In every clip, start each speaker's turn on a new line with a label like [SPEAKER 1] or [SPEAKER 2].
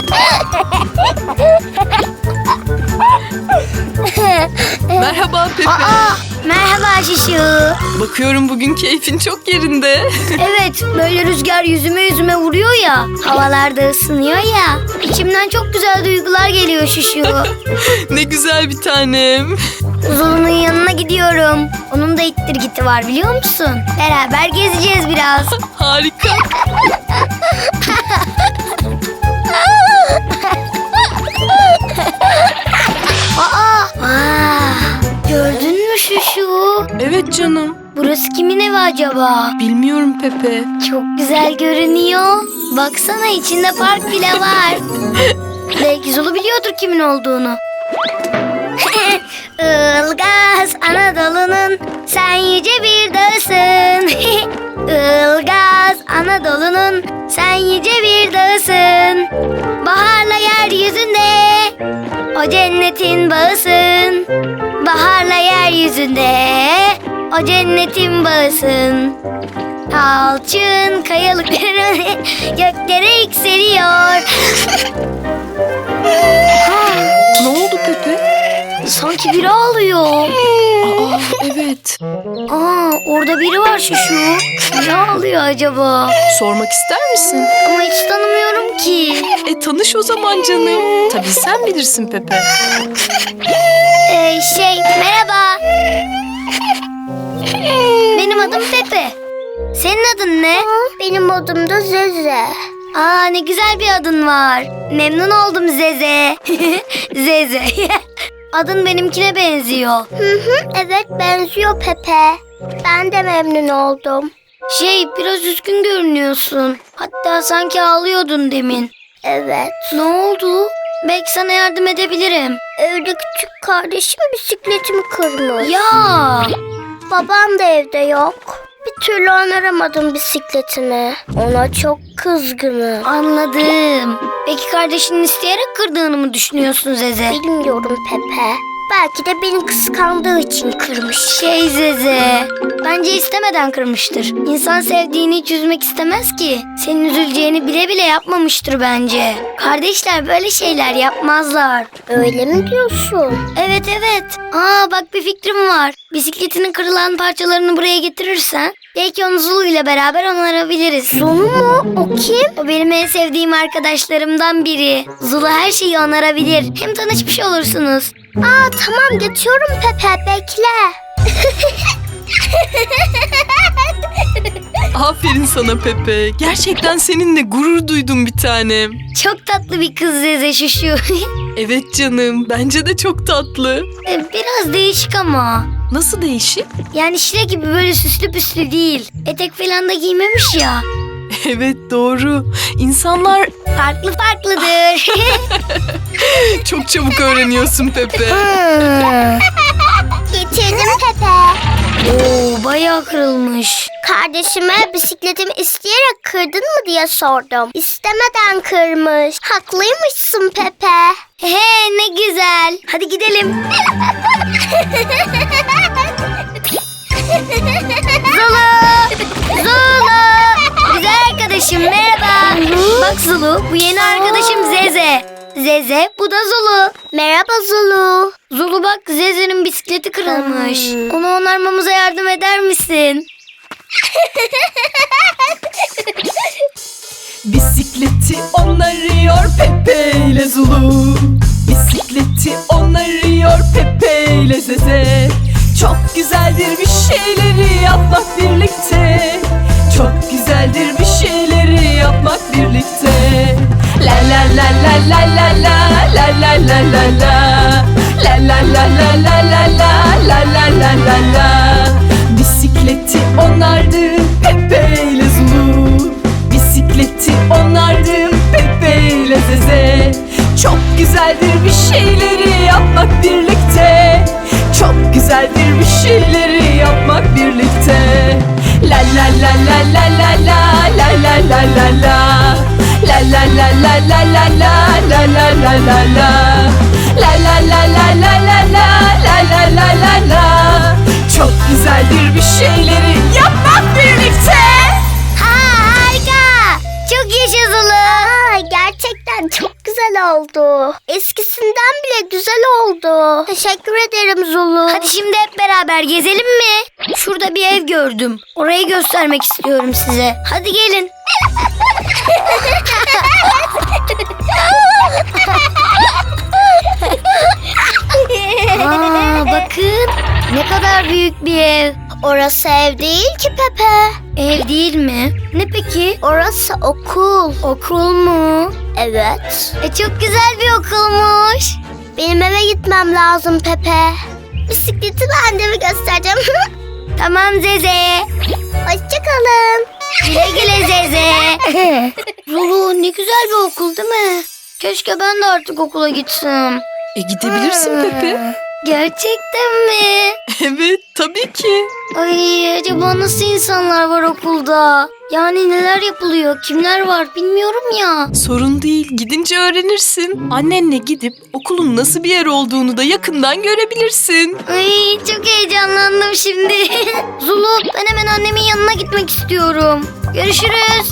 [SPEAKER 1] Merhaba Pepe.
[SPEAKER 2] Merhaba Şuşu.
[SPEAKER 1] Bakıyorum bugün keyfin çok yerinde.
[SPEAKER 2] Evet, böyle rüzgar yüzüme vuruyor ya. Havalarda ısınıyor ya. İçimden çok güzel duygular geliyor Şuşu.
[SPEAKER 1] Ne güzel bir tanem.
[SPEAKER 2] Zulu'nun yanına gidiyorum. Onun da ittirgiti var biliyor musun? Beraber gezeceğiz biraz.
[SPEAKER 1] Harika.
[SPEAKER 2] Gördün mü Şuşu?
[SPEAKER 1] Evet canım.
[SPEAKER 2] Burası kimin evi acaba?
[SPEAKER 1] Bilmiyorum Pepe.
[SPEAKER 2] Çok güzel görünüyor. Baksana içinde park bile var. Belki Zulu biliyordur kimin olduğunu. Ilgaz Anadolu'nun sen yüce bir dağısın. Ilgaz Anadolu'nun sen yüce bir dağısın. Baharla yeryüzünde o cennetin bağısın. Baharla yeryüzünde o cennetin bağısın. Alçın kayalıkları göklere yükseliyor.
[SPEAKER 1] Ne oldu Pepe?
[SPEAKER 2] Sanki biri ağlıyor.
[SPEAKER 1] Evet.
[SPEAKER 2] Orada biri var Şuşu. Ne ağlıyor acaba?
[SPEAKER 1] Sormak ister misin?
[SPEAKER 2] Ama hiç tanımıyorum ki.
[SPEAKER 1] Tanış o zaman canım. Tabii sen bilirsin Pepe.
[SPEAKER 2] Merhaba. Benim adım Pepe. Senin adın ne?
[SPEAKER 3] Benim adım da Zeze.
[SPEAKER 2] Ne güzel bir adın var. Memnun oldum Zeze. Zeze. Adın benimkine benziyor.
[SPEAKER 3] Evet, benziyor Pepe. Ben de memnun oldum.
[SPEAKER 2] Biraz üzgün görünüyorsun. Hatta sanki ağlıyordun demin.
[SPEAKER 3] Evet.
[SPEAKER 2] Ne oldu? Belki sana yardım edebilirim.
[SPEAKER 3] Evde küçük kardeşim bisikletimi kırmış.
[SPEAKER 2] Ya.
[SPEAKER 3] Babam da evde yok. Bir türlü onaramadım bisikletini. Ona çok kızgınım.
[SPEAKER 2] Anladım. Peki kardeşinin isteyerek kırdığını mı düşünüyorsun Zeze?
[SPEAKER 3] Bilmiyorum Pepe. Belki de beni kıskandığı için kırmış.
[SPEAKER 2] Zeze, bence istemeden kırmıştır. İnsan sevdiğini hiç üzmek istemez ki. Senin üzüleceğini bile bile yapmamıştır bence. Kardeşler böyle şeyler yapmazlar.
[SPEAKER 3] Öyle mi diyorsun?
[SPEAKER 2] Evet. Bak bir fikrim var. Bisikletinin kırılan parçalarını buraya getirirsen belki onu Zulu ile beraber onarabiliriz.
[SPEAKER 3] Zulu mu? O kim?
[SPEAKER 2] O benim en sevdiğim arkadaşlarımdan biri. Zulu her şeyi onarabilir. Hem tanışmış olursunuz.
[SPEAKER 3] Tamam, geçiyorum Pepe, bekle.
[SPEAKER 1] Aferin sana Pepe. Gerçekten seninle gurur duydum bir tanem.
[SPEAKER 2] Çok tatlı bir kız Zeze Şuşu.
[SPEAKER 1] Evet canım. Bence de çok tatlı.
[SPEAKER 2] Biraz değişik ama.
[SPEAKER 1] Nasıl değişik?
[SPEAKER 2] Yani Şile gibi böyle süslü püslü değil. Etek falan da giymemiş ya.
[SPEAKER 1] Evet doğru. İnsanlar
[SPEAKER 2] Farklıdır.
[SPEAKER 1] çok çabuk öğreniyorsun Pepe.
[SPEAKER 3] Getirdim Pepe.
[SPEAKER 2] Bayağı kırılmış.
[SPEAKER 3] Kardeşime bisikletimi isteyerek kırdın mı diye sordum. İstemeden kırmış. Haklıymışsın Pepe.
[SPEAKER 2] Ne güzel. Hadi gidelim. Zulu. Güzel arkadaşım merhaba. Bak Zulu, bu yeni arkadaşım Zeze. Zeze, bu da Zulu.
[SPEAKER 3] Merhaba Zulu.
[SPEAKER 2] Zulu bak, Zeze'nin bisikleti kırılmış. Onu onarmamıza yardım eder misin?
[SPEAKER 1] Bisikleti onarıyor Pepe ile Zulu. Bisikleti onarıyor Pepe ile Zeze. Çok güzeldir bir şeyleri yapmak birlikte. Çok güzeldir bir şeyleri yapmak birlikte. La la la la la la la la la la la la. La la la la la la la la la la la la. Bisikleti onardı Pepe ile Zulu. Bisikleti onardı Pepe ile Zeze. Çok güzeldir bir şeyleri yapmak birlikte. Çok güzeldir bir şeyleri yapmak birlikte. La la la la la la la la la la la la. La la la la la la la la la la la la. La la la la la la la la la la la la. Çok güzeldir bir şeyleri yapmak birlikte.
[SPEAKER 2] Harika. Çok yaşa Zulu.
[SPEAKER 3] Gerçekten çok güzel. güzel oldu. Eskisinden bile güzel oldu. Teşekkür ederim Zulu.
[SPEAKER 2] Hadi şimdi hep beraber gezelim mi? Şurada bir ev gördüm. Orayı göstermek istiyorum size. Hadi gelin. Aa, bakın ne kadar büyük bir ev.
[SPEAKER 3] Orası ev değil ki Pepe.
[SPEAKER 2] Ev değil mi? Ne peki?
[SPEAKER 3] Orası okul.
[SPEAKER 2] Okul mu?
[SPEAKER 3] Evet.
[SPEAKER 2] Çok güzel bir okulmuş.
[SPEAKER 3] Benim eve gitmem lazım Pepe. Bisikletimi anneme göstereceğim.
[SPEAKER 2] Tamam Zeze.
[SPEAKER 3] Hoşçakalın.
[SPEAKER 2] Güle güle Zeze. Lulu ne güzel bir okul değil mi? Keşke ben de artık okula gitsem.
[SPEAKER 1] Gidebilirsin Pepe.
[SPEAKER 2] Gerçekten mi?
[SPEAKER 1] Evet, tabii ki.
[SPEAKER 2] Ay acaba nasıl insanlar var okulda? Yani neler yapılıyor, kimler var bilmiyorum ya.
[SPEAKER 1] Sorun değil, gidince öğrenirsin. Annenle gidip okulun nasıl bir yer olduğunu da yakından görebilirsin.
[SPEAKER 2] Ay çok heyecanlandım şimdi. Zulu ben hemen annemin yanına gitmek istiyorum. Görüşürüz.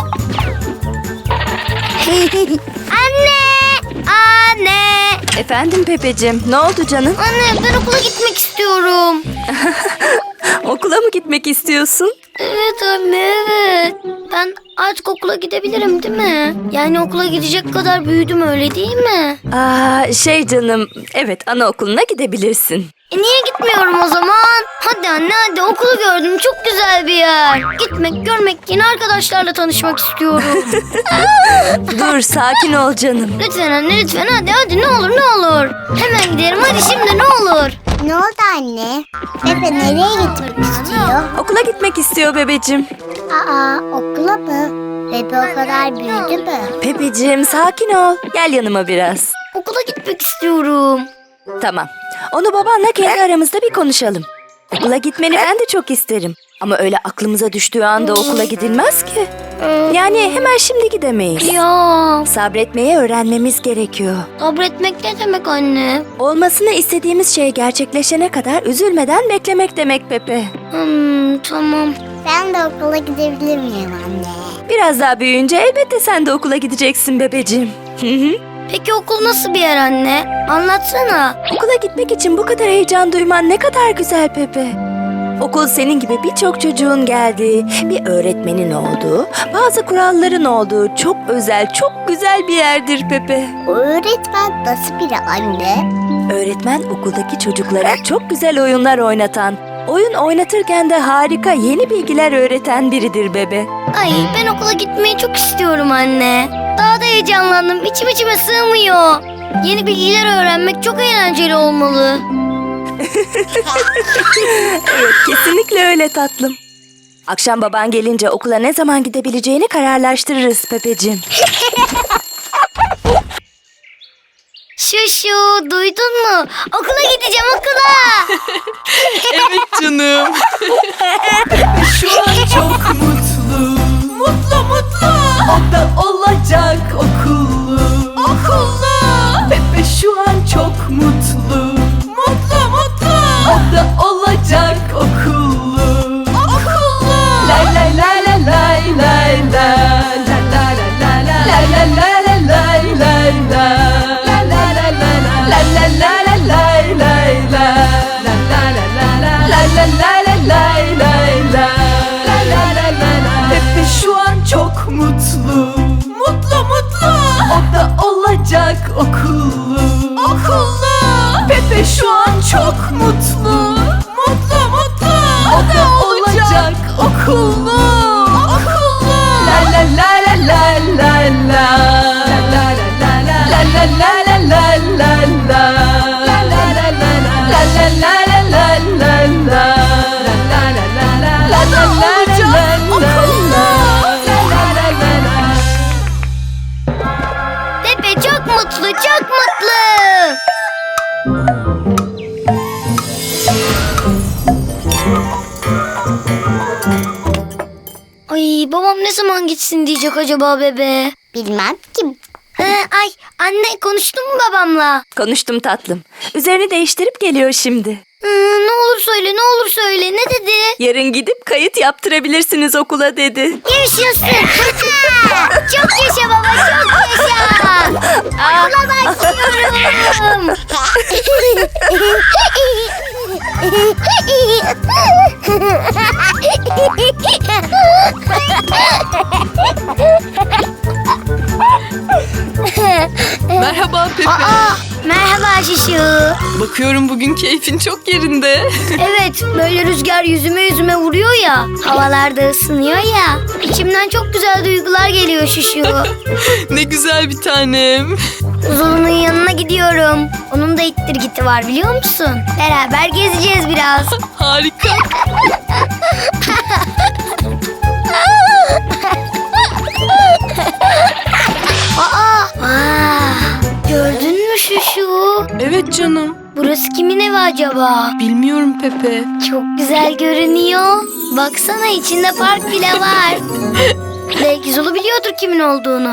[SPEAKER 2] Anne! Anne!
[SPEAKER 4] Efendim Pepeciğim, ne oldu canım?
[SPEAKER 2] Anne ben okula gitmek istiyorum.
[SPEAKER 4] Okula mı gitmek istiyorsun?
[SPEAKER 2] Evet anne evet. Ben artık okula gidebilirim değil mi? Yani okula gidecek kadar büyüdüm öyle değil mi?
[SPEAKER 4] Canım, evet anaokuluna gidebilirsin.
[SPEAKER 2] Niye gitmiyorum o zaman? Hadi anne hadi okulu gördüm çok güzel bir yer. Gitmek görmek yeni arkadaşlarla tanışmak istiyorum.
[SPEAKER 4] Dur, sakin ol canım.
[SPEAKER 2] Lütfen anne lütfen hadi ne olur ne olur. Hemen gidelim hadi şimdi ne olur.
[SPEAKER 3] Ne oldu anne? Pepe nereye gitmek istiyor?
[SPEAKER 4] Okula gitmek istiyor bebeciğim.
[SPEAKER 3] Okula mı? Pepe o kadar büyüdü mü?
[SPEAKER 4] Pepeciğim, sakin ol. Gel yanıma biraz.
[SPEAKER 2] Okula gitmek istiyorum.
[SPEAKER 4] Tamam. Onu babanla kendi aramızda bir konuşalım. Okula gitmeni ben de çok isterim. Ama öyle aklımıza düştüğü anda okula gidilmez ki. Yani hemen şimdi gidemeyiz.
[SPEAKER 2] Ya
[SPEAKER 4] Sabretmeyi öğrenmemiz gerekiyor.
[SPEAKER 2] sabretmek ne demek anne?
[SPEAKER 4] Olmasını istediğimiz şey gerçekleşene kadar üzülmeden beklemek demek Pepe.
[SPEAKER 2] Tamam.
[SPEAKER 3] Ben de okula gidebilir miyim anne?
[SPEAKER 4] Biraz daha büyüyünce elbette sen de okula gideceksin bebeciğim.
[SPEAKER 2] Peki okul nasıl bir yer anne? Anlatsana.
[SPEAKER 4] Okula gitmek için bu kadar heyecan duyman ne kadar güzel Pepe. Okul senin gibi birçok çocuğun geldiği, bir öğretmenin olduğu, bazı kuralların olduğu çok özel, çok güzel bir yerdir Pepe.
[SPEAKER 3] O öğretmen nasıl biri anne?
[SPEAKER 4] Öğretmen okuldaki çocuklara çok güzel oyunlar oynatan, oyun oynatırken de harika yeni bilgiler öğreten biridir bebe.
[SPEAKER 2] Ay ben okula gitmeyi çok istiyorum anne. Daha da heyecanlandım. İçime sığmıyor. Yeni bilgiler öğrenmek çok eğlenceli olmalı.
[SPEAKER 4] Evet, kesinlikle öyle tatlım. Akşam baban gelince okula ne zaman gidebileceğini kararlaştırırız Pepeciğim.
[SPEAKER 2] Şuşu duydun mu? Okula gideceğim okula.
[SPEAKER 1] Evet canım. Şu an çok mutlu. Mutlu. O da olacak okullu. Pepe şu an çok mutlu. O da olacak okullu. Lay lay lay lay lay lay lay. La la la la la. La la la la lay lay lay. La la la la la. La la la la lay lay lay. La la la la la. La la la la lay lay lay. La la la la la. Pepe şu an çok mutlu. O da olacak okullu. Pepe şu an çok mutlu. O da olacak okullu. La la la la la la la. La la la la la. La la la la la la la. La la la la la. La la la la la la la. La la la la la. La la la la la.
[SPEAKER 2] Pepe çok mutlu çok mutlu. Ay babam ne zaman gitsin diyecek acaba bebe?
[SPEAKER 3] Bilmem ki.
[SPEAKER 2] Ay anne konuştun mu babamla?
[SPEAKER 4] Konuştum tatlım. Üzerini değiştirip geliyor şimdi.
[SPEAKER 2] Ne olur söyle, ne olur söyle. Ne dedi?
[SPEAKER 4] Yarın gidip kayıt yaptırabilirsiniz okula dedi.
[SPEAKER 2] Yaşasın. Çok yaşa baba, çok yaşa. Okula başlıyorum.
[SPEAKER 1] Merhaba Pepe.
[SPEAKER 2] Merhaba Şuşu.
[SPEAKER 1] Bakıyorum bugün keyfin çok yerinde.
[SPEAKER 2] Evet, böyle rüzgar yüzüme vuruyor ya. Havalarda ısınıyor ya. İçimden çok güzel duygular geliyor Şuşu.
[SPEAKER 1] Ne güzel bir tanem.
[SPEAKER 2] Zulu'nun yanına gidiyorum. Onun da ittirgiti var biliyor musun? Beraber gezeceğiz biraz.
[SPEAKER 1] Harika.
[SPEAKER 2] Gördün mü Şuşu?
[SPEAKER 1] Evet canım.
[SPEAKER 2] Burası kimin evi acaba?
[SPEAKER 1] Bilmiyorum Pepe.
[SPEAKER 2] Çok güzel görünüyor. Baksana içinde park bile var. Belki Zulu biliyordur kimin olduğunu.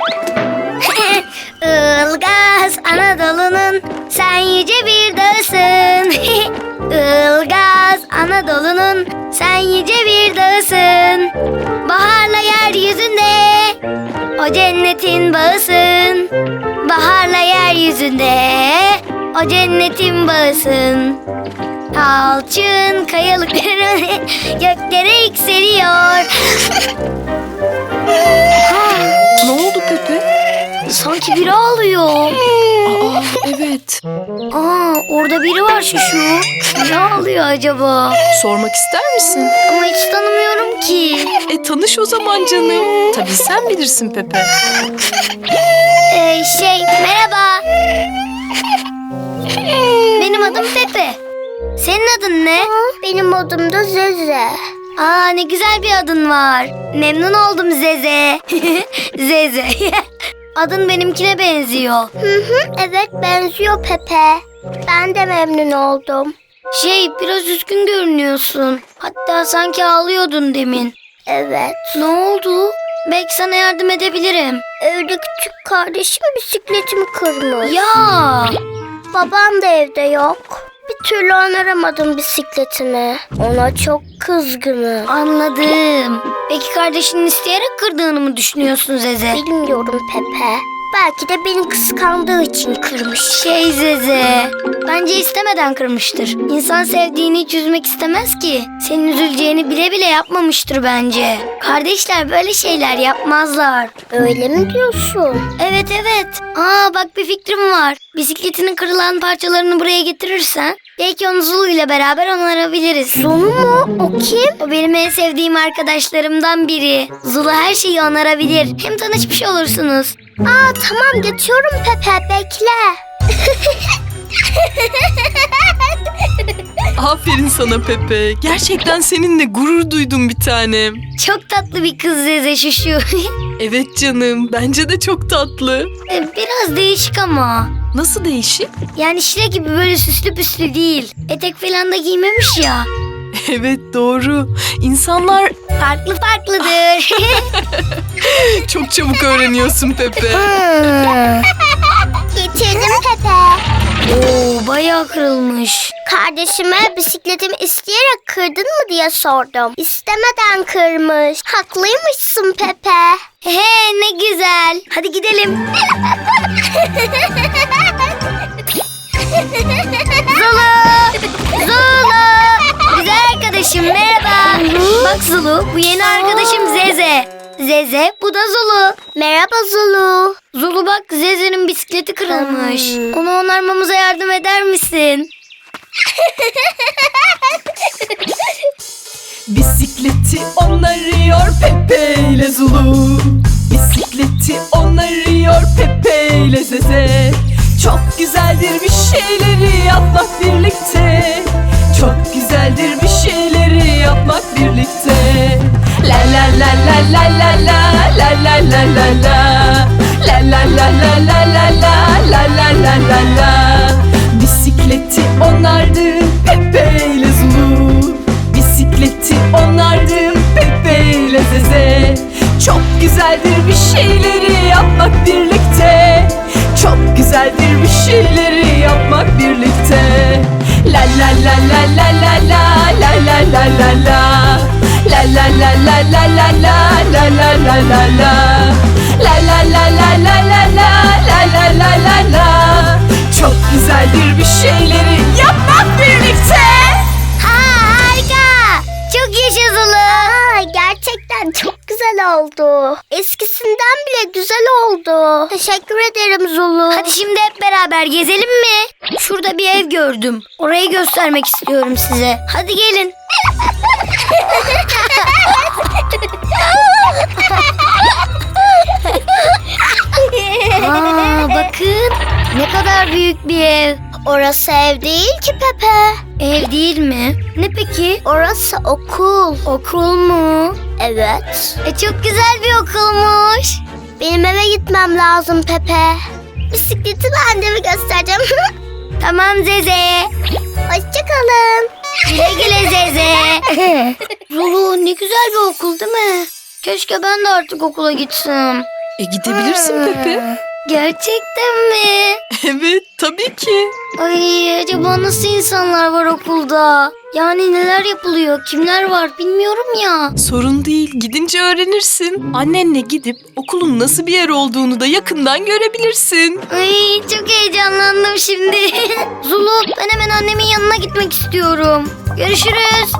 [SPEAKER 2] Ilgaz Anadolu'nun sen yüce bir dağısın. Ilgaz Anadolu'nun sen yüce bir dağısın. Baharla yeryüzünde o cennetin bağısın. Baharla yeryüzünde o cennetin bağısın. Alçın kayalıkları göklere yükseliyor.
[SPEAKER 1] Ne oldu Pepe?
[SPEAKER 2] Sanki biri ağlıyor.
[SPEAKER 1] Evet.
[SPEAKER 2] Orada biri var Şuşu. Ne ağlıyor acaba?
[SPEAKER 1] Sormak ister misin?
[SPEAKER 2] Ama hiç tanımıyorum ki.
[SPEAKER 1] Tanış o zaman canım. Tabii sen bilirsin Pepe.
[SPEAKER 2] Merhaba. Benim adım Pepe. Senin adın ne?
[SPEAKER 3] Benim adım da Zeze.
[SPEAKER 2] Ne güzel bir adın var. Memnun oldum Zeze. Zeze. Adın benimkine benziyor.
[SPEAKER 3] Evet benziyor Pepe. Ben de memnun oldum.
[SPEAKER 2] Biraz üzgün görünüyorsun. Hatta sanki ağlıyordun demin.
[SPEAKER 3] Evet.
[SPEAKER 2] Ne oldu? Belki sana yardım edebilirim.
[SPEAKER 3] Evde küçük kardeşim bisikletimi kırmış.
[SPEAKER 2] Ya!
[SPEAKER 3] Babam da evde yok. Bir türlü onaramadım bisikletimi. Ona çok kızgınım.
[SPEAKER 2] Anladım. Peki kardeşinin isteyerek kırdığını mı düşünüyorsun Zeze?
[SPEAKER 3] Bilmiyorum Pepe. Belki de beni kıskandığı için kırmış.
[SPEAKER 2] Zeze, bence istemeden kırmıştır. İnsan sevdiğini hiç üzmek istemez ki. Senin üzüleceğini bile bile yapmamıştır bence. Kardeşler böyle şeyler yapmazlar.
[SPEAKER 3] Öyle mi diyorsun?
[SPEAKER 2] Evet. Bak bir fikrim var. Bisikletinin kırılan parçalarını buraya getirirsen belki onu Zulu ile beraber onarabiliriz.
[SPEAKER 3] Zulu mu? O kim?
[SPEAKER 2] O benim en sevdiğim arkadaşlarımdan biri. Zulu her şeyi onarabilir. Hem tanışmış olursunuz.
[SPEAKER 3] Tamam geçiyorum Pepe bekle.
[SPEAKER 1] Aferin sana Pepe. Gerçekten seninle gurur duydum bir tanem.
[SPEAKER 2] Çok tatlı bir kız Zeze Şuşu.
[SPEAKER 1] Evet canım. Bence de çok tatlı.
[SPEAKER 2] Biraz değişik ama.
[SPEAKER 1] Nasıl değişik?
[SPEAKER 2] Yani Şile gibi böyle süslü püslü değil. Etek falan da giymemiş ya.
[SPEAKER 1] Evet doğru. İnsanlar
[SPEAKER 2] Farklıdır.
[SPEAKER 1] çok çabuk öğreniyorsun Pepe.
[SPEAKER 3] Getirdim Pepe.
[SPEAKER 2] Bayağı kırılmış.
[SPEAKER 3] Kardeşime bisikletimi isteyerek kırdın mı diye sordum. İstemeden kırmış. Haklıymışsın Pepe.
[SPEAKER 2] Ne güzel. Hadi gidelim. Zulu. Güzel arkadaşım merhaba. Bak Zulu, bu yeni arkadaşım Zeze. Zeze, bu da Zulu.
[SPEAKER 3] Merhaba Zulu.
[SPEAKER 2] Zulu bak, Zeze'nin bisikleti kırılmış. Onu onarmamıza yardım eder misin?
[SPEAKER 1] Bisikleti onarıyor Pepe ile Zulu. Bisikleti onarıyor Pepe ile Zeze. Çok güzeldir bir şeyleri yapmak birlikte. Çok güzeldir bir şeyleri yapmak birlikte. La la la la la la la la la la la la. La la la la la la la la la la la la. Bisikleti onardı Pepe ile Zulu. Bisikleti onardı Pepe ile Zeze. Çok güzeldir bir şeyleri yapmak birlikte. Çok güzeldir bir şeyleri yapmak birlikte. La la la la la. La la la la la la la la la la la la. Çok güzeldir bir şeyleri yapmak birlikte.
[SPEAKER 3] Harika. Çok yaşa Zulu. Gerçekten çok güzel oldu. Eskisinden bile güzel oldu. Teşekkür ederim Zulu.
[SPEAKER 2] Hadi şimdi hep beraber gezelim mi? Şurada bir ev gördüm. Orayı göstermek istiyorum size. Hadi gelin. Aa, bakın ne kadar büyük bir ev.
[SPEAKER 3] Orası ev değil ki Pepe.
[SPEAKER 2] Ev değil mi? Ne peki?
[SPEAKER 3] Orası okul.
[SPEAKER 2] Okul mu?
[SPEAKER 3] Evet.
[SPEAKER 2] Çok güzel bir okulmuş.
[SPEAKER 3] Benim eve gitmem lazım Pepe. Bisikleti ben de mi göstereceğim?
[SPEAKER 2] Tamam Zeze.
[SPEAKER 3] Hoşçakalın.
[SPEAKER 2] Güle güle Zeze. Zulu ne güzel bir okul değil mi? Keşke ben de artık okula gitsem.
[SPEAKER 1] Gidebilirsin Pepe.
[SPEAKER 2] Gerçekten mi?
[SPEAKER 1] Evet, tabii ki.
[SPEAKER 2] Ay acaba nasıl insanlar var okulda? Yani neler yapılıyor, kimler var bilmiyorum ya.
[SPEAKER 1] Sorun değil, gidince öğrenirsin. Annenle gidip okulun nasıl bir yer olduğunu da yakından görebilirsin.
[SPEAKER 2] Ay çok heyecanlandım şimdi. Zulu ben hemen annemin yanına gitmek istiyorum. Görüşürüz.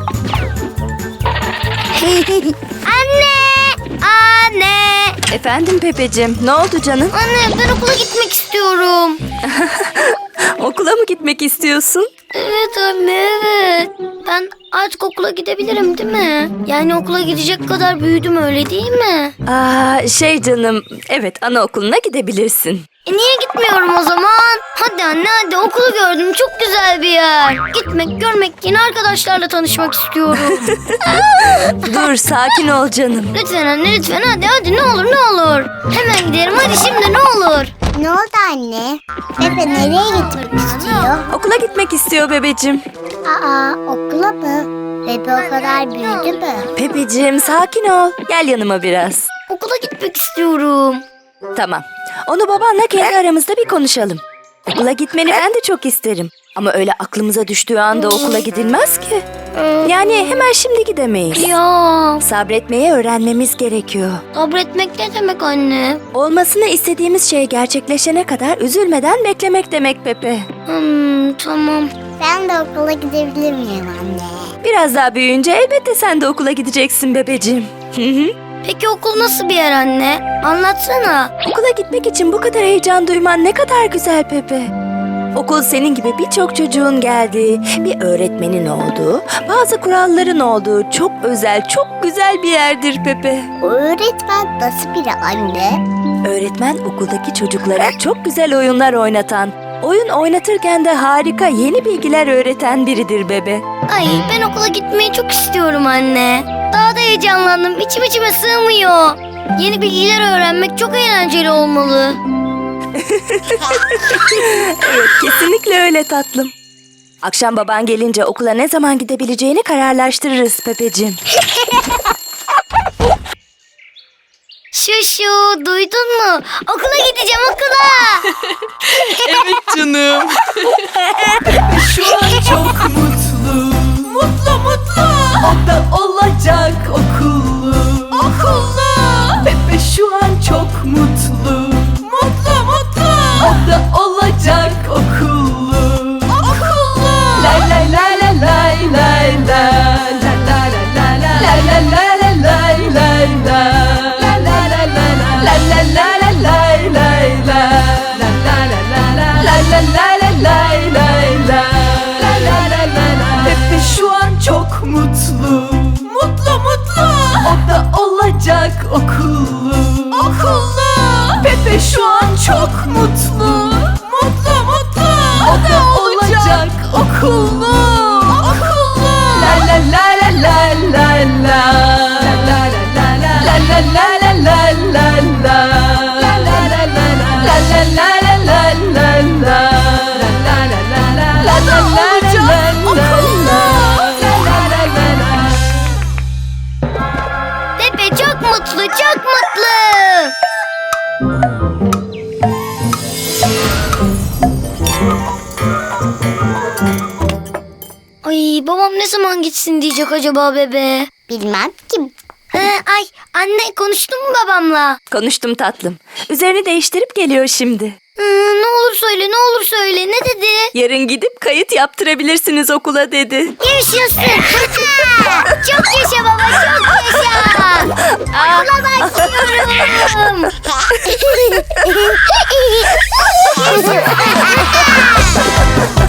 [SPEAKER 2] Anne! Anne!
[SPEAKER 4] Efendim Pepeciğim, ne oldu canım?
[SPEAKER 2] Anne ben okula gitmek istiyorum.
[SPEAKER 4] Okula mı gitmek istiyorsun?
[SPEAKER 2] Evet anne evet. Ben artık okula gidebilirim değil mi? Yani okula gidecek kadar büyüdüm öyle değil mi?
[SPEAKER 4] Canım, evet anaokuluna gidebilirsin.
[SPEAKER 2] Niye gitmiyorum o zaman? Hadi anne hadi okulu gördüm çok güzel bir yer. Gitmek görmek yeni arkadaşlarla tanışmak istiyorum.
[SPEAKER 4] Dur, sakin ol canım.
[SPEAKER 2] Lütfen anne lütfen hadi ne olur ne olur. Hemen gidelim hadi şimdi ne olur.
[SPEAKER 3] Ne oldu anne? Pepe nereye gitmek istiyor?
[SPEAKER 4] Okula gitmek istiyor bebeciğim.
[SPEAKER 3] Okula mı? Pepe o kadar büyüdü mü?
[SPEAKER 4] Pepeciğim, sakin ol. Gel yanıma biraz.
[SPEAKER 2] Okula gitmek istiyorum.
[SPEAKER 4] Tamam. Onu babanla kendi aramızda bir konuşalım. Okula gitmeni ben de çok isterim. Ama öyle aklımıza düştüğü anda okula gidilmez ki. Yani hemen şimdi gidemeyiz.
[SPEAKER 2] Ya
[SPEAKER 4] Sabretmeyi öğrenmemiz gerekiyor.
[SPEAKER 2] sabretmek ne demek anne?
[SPEAKER 4] Olmasını istediğimiz şey gerçekleşene kadar üzülmeden beklemek demek Pepe.
[SPEAKER 2] Tamam.
[SPEAKER 3] Ben de okula gidebilir miyim anne?
[SPEAKER 4] Biraz daha büyüyünce elbette sen de okula gideceksin bebeciğim.
[SPEAKER 2] Peki okul nasıl bir yer anne? Anlatsana.
[SPEAKER 4] Okula gitmek için bu kadar heyecan duyman ne kadar güzel Pepe. Okul senin gibi birçok çocuğun geldiği, bir öğretmenin olduğu, bazı kuralların olduğu çok özel, çok güzel bir yerdir Pepe.
[SPEAKER 3] O öğretmen nasıl biri anne?
[SPEAKER 4] Öğretmen okuldaki çocuklara çok güzel oyunlar oynatan, oyun oynatırken de harika yeni bilgiler öğreten biridir bebe.
[SPEAKER 2] Ay ben okula gitmeyi çok istiyorum anne. Daha da heyecanlandım. İçime sığmıyor. Yeni bilgiler öğrenmek çok eğlenceli olmalı.
[SPEAKER 4] Evet, kesinlikle öyle tatlım. Akşam baban gelince okula ne zaman gidebileceğini kararlaştırırız Pepeciğim.
[SPEAKER 2] Şuşu duydun mu? Okula gideceğim okula.
[SPEAKER 1] Evet canım. Şu an çok mutlu. Mutlu. O da olacak okullu. Pepe şu an çok mutlu. Mutlu. O da olacak okullu. La la la la la la la. La la la la la. La la la la la la la. La la la la la. La la la la la la la. La la la la la. La la la la la la la. La la la la la. Pepe şu an çok mutlu. Mutlu. O da olacak okullu. Pepe şu an çok mutlu. O da olacak okullu. La la la la la la la. La la la la la. La la la la la la la. La la la la la. La la la la la la la. La la la la la. La la la la la la. La la la la la.
[SPEAKER 2] Pepe çok mutlu çok mutlu. Ay babam ne zaman gitsin diyecek acaba bebe?
[SPEAKER 3] Bilmem ki.
[SPEAKER 2] Ha, Ay anne konuştun mu babamla?
[SPEAKER 4] Konuştum tatlım. Üzerini değiştirip geliyor şimdi.
[SPEAKER 2] Ne olur söyle ne olur söyle ne dedi?
[SPEAKER 4] Yarın gidip kayıt yaptırabilirsiniz okula dedi.
[SPEAKER 2] Yaşasın. Çok yaşa baba çok yaşa. Okula başlıyorum.